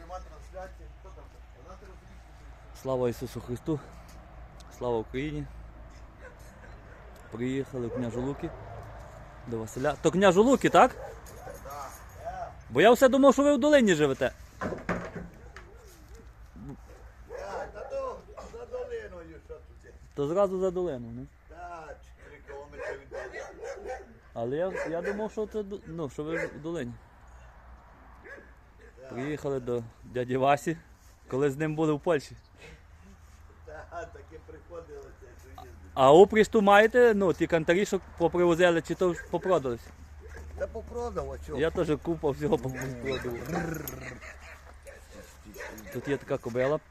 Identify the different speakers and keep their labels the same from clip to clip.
Speaker 1: Нема трансляції. Хто там? Вона трансляція.
Speaker 2: Слава Ісусу Христу! Слава Україні! Приїхали в Княжу Луки до Василя. То Княжу Луки, так?
Speaker 1: Так.
Speaker 2: Бо я все думав, що ви в долині живете.
Speaker 1: Та то за долиною що тут є.
Speaker 2: То зразу за долину, не?
Speaker 1: Так, 4 кілометри від долини.
Speaker 2: Але я думав, що це, ну, що ви в долині. Приїхали до дяді Васі, коли з ним були в Польщі.
Speaker 1: Так, таке приходилося, що їздить.
Speaker 2: А упріж ту маєте, ну, ті кантарі, що попривозили, чи то попродалися?
Speaker 1: Та попродав, а чого?
Speaker 2: Я теж купа всього попродав. Тут є така кобила.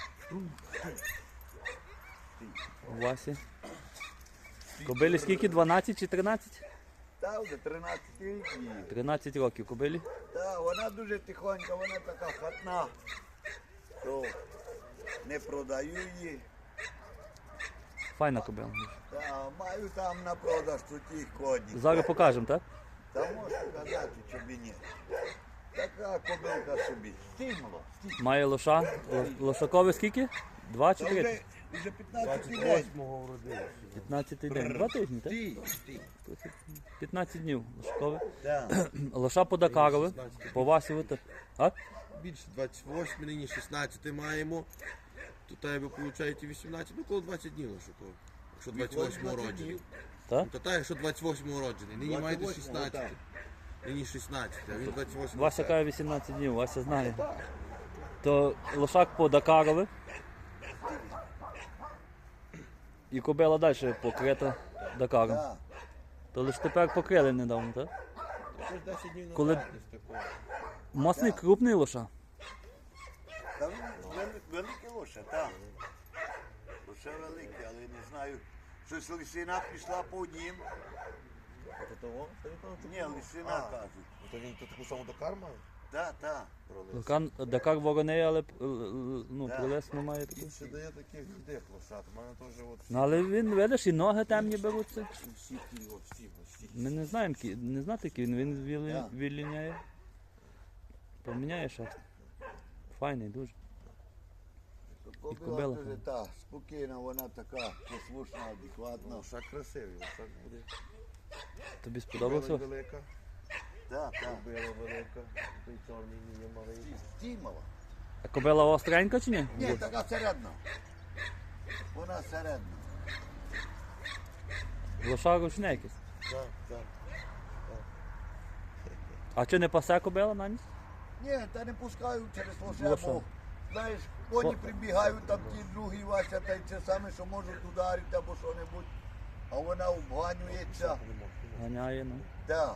Speaker 2: У Васі. Кобилі скільки? 12 чи 13?
Speaker 1: Та вже 13 рік її.
Speaker 2: 13 років кобилі.
Speaker 1: Та, вона дуже тихонька, вона така хатна. То не продаю її.
Speaker 2: Файна кобила.
Speaker 1: Та, маю там на продаж тут їх коні.
Speaker 2: Зараз покажемо, так?
Speaker 1: Та можу казати, що б і ні. Така кобилка собі. Стимула.
Speaker 2: Має лоша. Лошакове скільки? 2 чи
Speaker 1: Та
Speaker 2: 3?
Speaker 1: вже 15 день.
Speaker 2: 15 день. 2 тижні, так?
Speaker 1: Стій.
Speaker 2: 15 днів лошакове.
Speaker 1: Так.
Speaker 2: Лоша по Дакарове. По Васі. А?
Speaker 3: Більше 28, нині 16 маємо. То тебе виходить 18, ну коло 20 днів лише. Якщо 28 роджений.
Speaker 2: Так?
Speaker 3: То так, якщо 28 роджений. Нині маєте
Speaker 1: 28-го,
Speaker 3: 16.
Speaker 1: так.
Speaker 3: Нині 16, а він 28.
Speaker 2: Вася каже 18 днів, Вася знає. То лошак по Дакарове. І кобила далі покрита Дакаром.
Speaker 1: Так.
Speaker 2: То лише тепер покрили недавно, так?
Speaker 3: Це ж 10 днів назад
Speaker 2: Коли-
Speaker 3: десь такого.
Speaker 2: Масний крупний лоша.
Speaker 1: Та він великий лоша, так. Лоша великий, але не знаю. Щось лисина пішла по однім.
Speaker 3: Це того?
Speaker 1: Ні, лисина кажуть.
Speaker 3: То він то таку саму Дакар має?
Speaker 1: Так, так.
Speaker 2: Дакар вороний, але ну,
Speaker 1: Да.
Speaker 2: прилес не має такого.
Speaker 3: Він ще дає таких дідих лошад. У мене теж от
Speaker 2: Ну, але він, видиш, і ноги темні беруться.
Speaker 3: всі ті, от всі.
Speaker 2: Ми не знаємо, не знати, який він
Speaker 1: Да.
Speaker 2: віліняє. Поміняє шерсть. Файний дуже.
Speaker 1: Кобила
Speaker 2: кобила.
Speaker 1: дуже та, спокійна, вона така послушна, адекватна.
Speaker 3: Лошак красивий, лошак буде.
Speaker 2: Тобі сподобався?
Speaker 3: Кобила велика,
Speaker 1: Так, так.
Speaker 3: кобила велика, той чорний не є малий.
Speaker 1: Стімала.
Speaker 2: А кобила остренька чи ні?
Speaker 1: Ні, така середна. Вона середна.
Speaker 2: Лоша ручне якесь.
Speaker 3: Так, так.
Speaker 2: А чи не пасе кобила на ніч?
Speaker 1: Ні, та не пускаю через
Speaker 2: Лоша.
Speaker 1: лоше, бо, знаєш, коні прибігають, там ті другі Вася, та й це саме, що можуть ударити або що-небудь. А вона обганюється.
Speaker 2: Ганяє, ну.
Speaker 1: Так,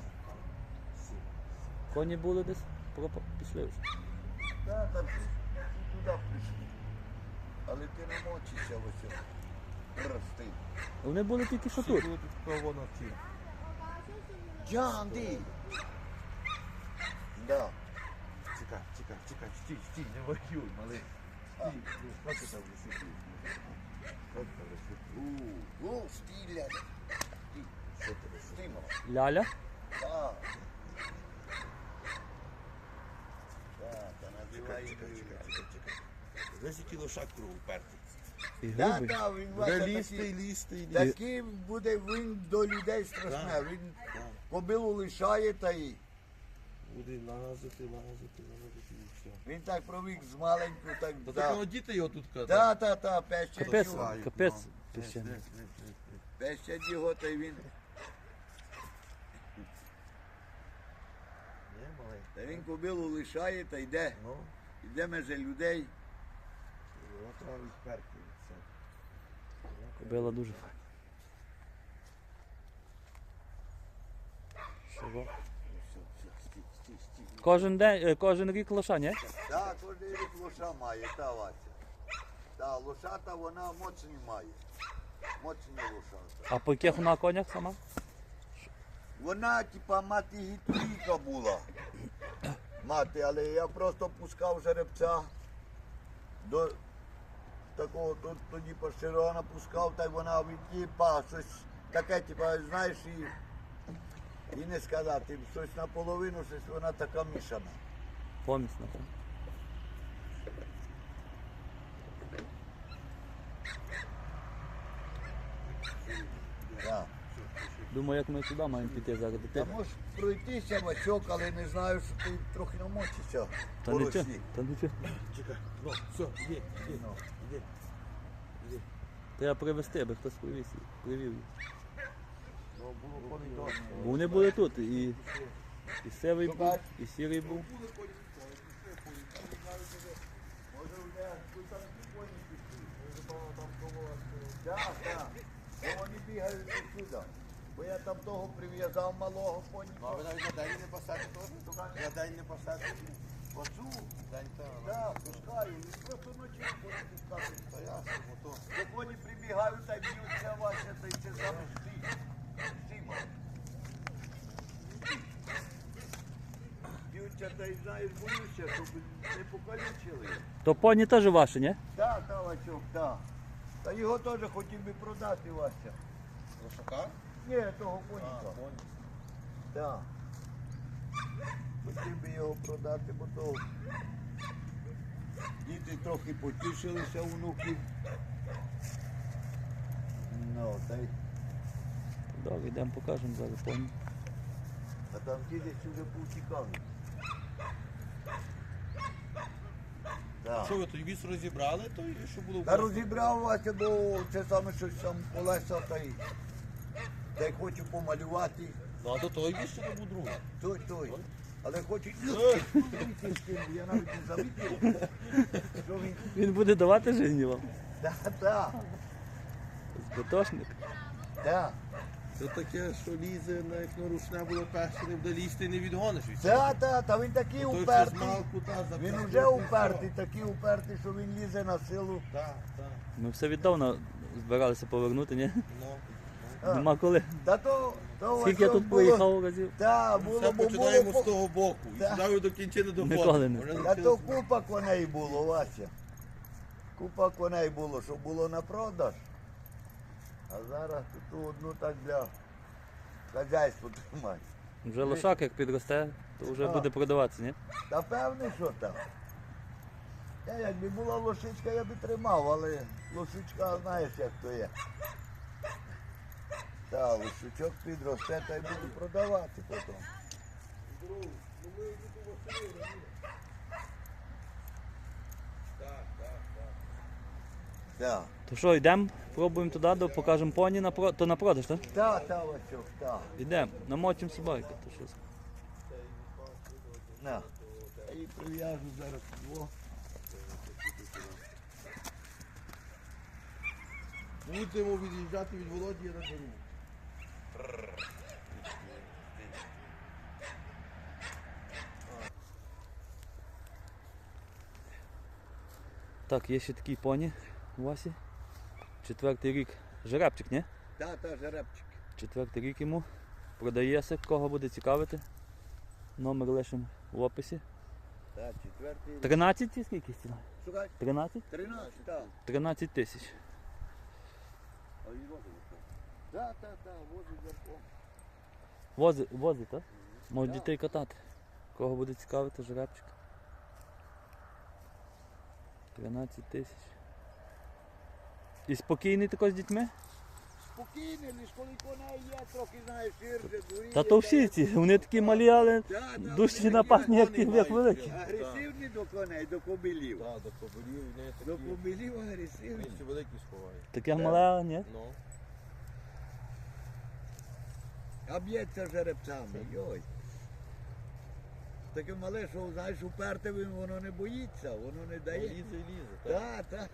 Speaker 2: Коні були десь, пішли вже.
Speaker 1: так, там всі туди прийшли. Але ти не мочишся ось. Прости.
Speaker 2: Вони були тільки що
Speaker 3: Всі
Speaker 2: тут.
Speaker 3: були тут кого на ті.
Speaker 1: Джанди! Да.
Speaker 3: Чекай, стій, не воюй, малий. Стій, ну, що ти там висипів? Що ти там висипів?
Speaker 1: Стиля.
Speaker 3: Що ти висипів?
Speaker 1: Стимала.
Speaker 2: Ляля.
Speaker 1: Так. Так, та називай її.
Speaker 3: Десь який лошак кругу пертий.
Speaker 2: І
Speaker 1: Так,
Speaker 2: грубий.
Speaker 1: так, він
Speaker 3: Буде
Speaker 1: Вася
Speaker 3: лізти,
Speaker 1: такий.
Speaker 3: лізти.
Speaker 1: Такий буде він до людей страшне.
Speaker 3: Так.
Speaker 1: Він кобилу лишає та й
Speaker 3: Буде лазити і все.
Speaker 1: він так провік з маленьку, так
Speaker 3: Та
Speaker 1: да.
Speaker 3: такого діти його тут кадають.
Speaker 1: Та, пещать
Speaker 2: Капець,
Speaker 1: його.
Speaker 2: капець піщаний.
Speaker 1: Пещать його, та й він.
Speaker 3: Ні, малий.
Speaker 1: Та він кобилу лишає та йде.
Speaker 3: Ну,
Speaker 1: Йде меже людей.
Speaker 3: його треба відперти. Все.
Speaker 2: Кобила дуже файна. Що?
Speaker 1: Стій.
Speaker 2: Кожен день, кожен рік лоша, ні?
Speaker 1: Так, кожен рік лоша має, та Вася. Та лошата вона моцні має. Моцні лошата.
Speaker 2: А по яких вона конях сама?
Speaker 1: Вона, типа, мати гітлійка була. Мати, але я просто пускав жеребця до такого, тоді поширона пускав, та й вона відтіпа, щось таке, типа, знаєш, і не сказати, щось наполовину, щось вона така мішана.
Speaker 2: Помісна. Так?
Speaker 1: Так.
Speaker 2: Думаю, як ми туди маємо піти зараз до
Speaker 1: Та
Speaker 2: тебе.
Speaker 1: можеш пройтися, Васьок, але не знаю, що ти трохи намочишся.
Speaker 2: Та
Speaker 1: по
Speaker 2: нічого,
Speaker 1: росі.
Speaker 2: та нічого.
Speaker 3: Чекай, ну, все, іди, іди,
Speaker 1: Ну.
Speaker 3: іди. Іди.
Speaker 2: Треба привезти, аби хтось привів їх.
Speaker 3: Ну, було помідор.
Speaker 2: Бо вони були тут, і сивий був, і сірий був.
Speaker 1: Може, вже тут там ті коні пішли. Так, так. Бо вони бігають сюди. Бо я там того прив'язав малого коні.
Speaker 3: Ну, а ви навіть на день не посадите теж? На день не посадите?
Speaker 1: Оцю,
Speaker 3: День то.
Speaker 1: так, пускаю. Він просто ночі буде пускати.
Speaker 3: Та ясно, бо то.
Speaker 1: Бо коні прибігають, та й б'ються Вася, та й це саме Сіма. Б'ються, та й знаєш, боюся, щоб не покалічили.
Speaker 2: То поні теж ваші, ні?
Speaker 1: Так, так, Васьок, так. Та його теж хотів би продати, Вася.
Speaker 3: Лошака?
Speaker 1: Ні, того коніка. Так. Хотів би його продати, бо то діти трохи потішилися внуків. Ну, та й,
Speaker 2: Добре, йдемо покажемо зараз поні.
Speaker 1: а там діти вже повтікали. Так.
Speaker 3: Що ви той віз розібрали, то і що було?
Speaker 1: Та розібрав Вася, бо це саме щось там колеса, та й хочу помалювати.
Speaker 3: Ну, а до того віз ще був другий.
Speaker 1: Той. Але хочу. Я навіть не замітив, що він.
Speaker 2: Він буде давати життя вам.
Speaker 1: Так.
Speaker 2: Збитошник.
Speaker 3: Це таке, що лізе, як рушне було перше, не буде лізти, не відгониш від цього.
Speaker 1: Так, та він такий
Speaker 3: Той, що
Speaker 1: упертий.
Speaker 3: змалку, та,
Speaker 1: Він
Speaker 3: запрягти,
Speaker 1: вже
Speaker 3: то
Speaker 1: упертий, такий упертий, що він лізе на силу.
Speaker 3: Так, так.
Speaker 2: Ми все віддавна збиралися повернути, ні?
Speaker 3: Ну.
Speaker 1: А.
Speaker 2: Нема коли.
Speaker 1: Та то
Speaker 2: Скільки я тут проїхав разів?
Speaker 1: Так,
Speaker 3: Все
Speaker 1: було, бо
Speaker 3: починаємо
Speaker 1: було.
Speaker 3: з того боку. І
Speaker 1: Так.
Speaker 3: сюди до кінчини доходимо.
Speaker 2: Ніколи не.
Speaker 3: Вже
Speaker 1: Та то
Speaker 3: навчилися.
Speaker 1: купа коней було, Вася. Купа коней було, що було на продаж. А зараз ту одну так для хазяйства тримати.
Speaker 2: Вже лошак як підросте, то вже
Speaker 1: А.
Speaker 2: буде продаватися, ні?
Speaker 1: Та певне, що так. Якби була лошичка, я би тримав, але лошичка, знаєш, як то є. Та, лошичок підросте, та й буду продавати потім. Так,
Speaker 2: То що, йдемо, пробуємо туди, покажемо поні, то на продаж, так?
Speaker 1: так, Васьок, так.
Speaker 2: Йдемо, намочимо собаки. То щось.
Speaker 1: На. Я її прив'яжу зараз. Во.
Speaker 3: Будемо від'їжджати від Володі, я розберу.
Speaker 2: Так, є ще такі поні у Васі. 4-й рік. Жеребчик, ні?
Speaker 1: Та, жеребчик.
Speaker 2: 4-й рік йому. Продається, кого буде цікавити. Номер лишимо в описі.
Speaker 1: Так, 4-й.
Speaker 2: 13 чи скільки ціна?
Speaker 1: Шукай.
Speaker 2: 13?
Speaker 1: 13, так.
Speaker 2: 13 тисяч.
Speaker 1: Так, возить верхом.
Speaker 2: Возить, так? Можуть дітей катати. Кого буде цікавити, жеребчик. 13 тисяч. І спокійний тако з дітьми?
Speaker 1: Спокійний, лиш коли коней є, трохи, знаєш, ширше, дуріє.
Speaker 2: Та то всі ці, вони такі малі, але дужчі напасні, як ті, як великі.
Speaker 1: Агресивні до коней, до кобилів.
Speaker 3: Так, до кобилів, не такі.
Speaker 1: До кобилів агресивні.
Speaker 3: Він ще великий сховає.
Speaker 2: Таке мале, ні?
Speaker 3: Ну.
Speaker 1: А б'ється жеребцями, йой. Таке мале, що, знаєш, уперте воно не боїться, воно не дає.
Speaker 3: Лізе і лізе.
Speaker 1: Так.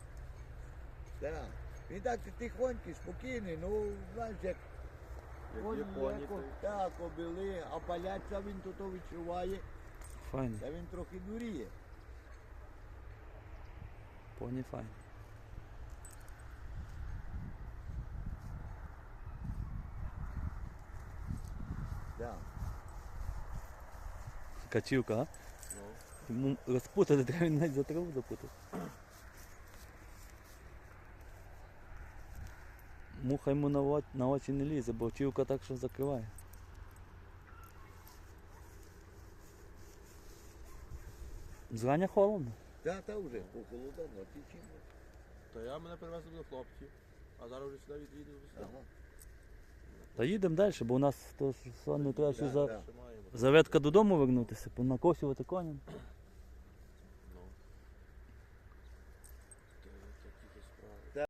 Speaker 1: Він так тихонький, спокійний, ну, знаєш, як коні
Speaker 3: коні,
Speaker 1: є,
Speaker 3: то-
Speaker 1: так, кобили, а паляться він тут відчуває,
Speaker 2: Файно.
Speaker 1: та він трохи дуріє.
Speaker 2: Поні файно.
Speaker 1: Так.
Speaker 2: Качівка, а? Йому розпутати треба, він навіть за траву запутати. Муха йому на очі не лізе, бо чівка так що закриває. Зрання холодно.
Speaker 1: Та вже похолодало, тічі.
Speaker 3: То я мене привезли до хлопців, а зараз вже сюди від'їду до себе.
Speaker 1: Ага.
Speaker 2: Та їдемо далі, бо у нас то ж не треба ще
Speaker 1: Да,
Speaker 2: за,
Speaker 1: да.
Speaker 3: Ще маємо.
Speaker 2: заветка додому вернутися, накосювати коням.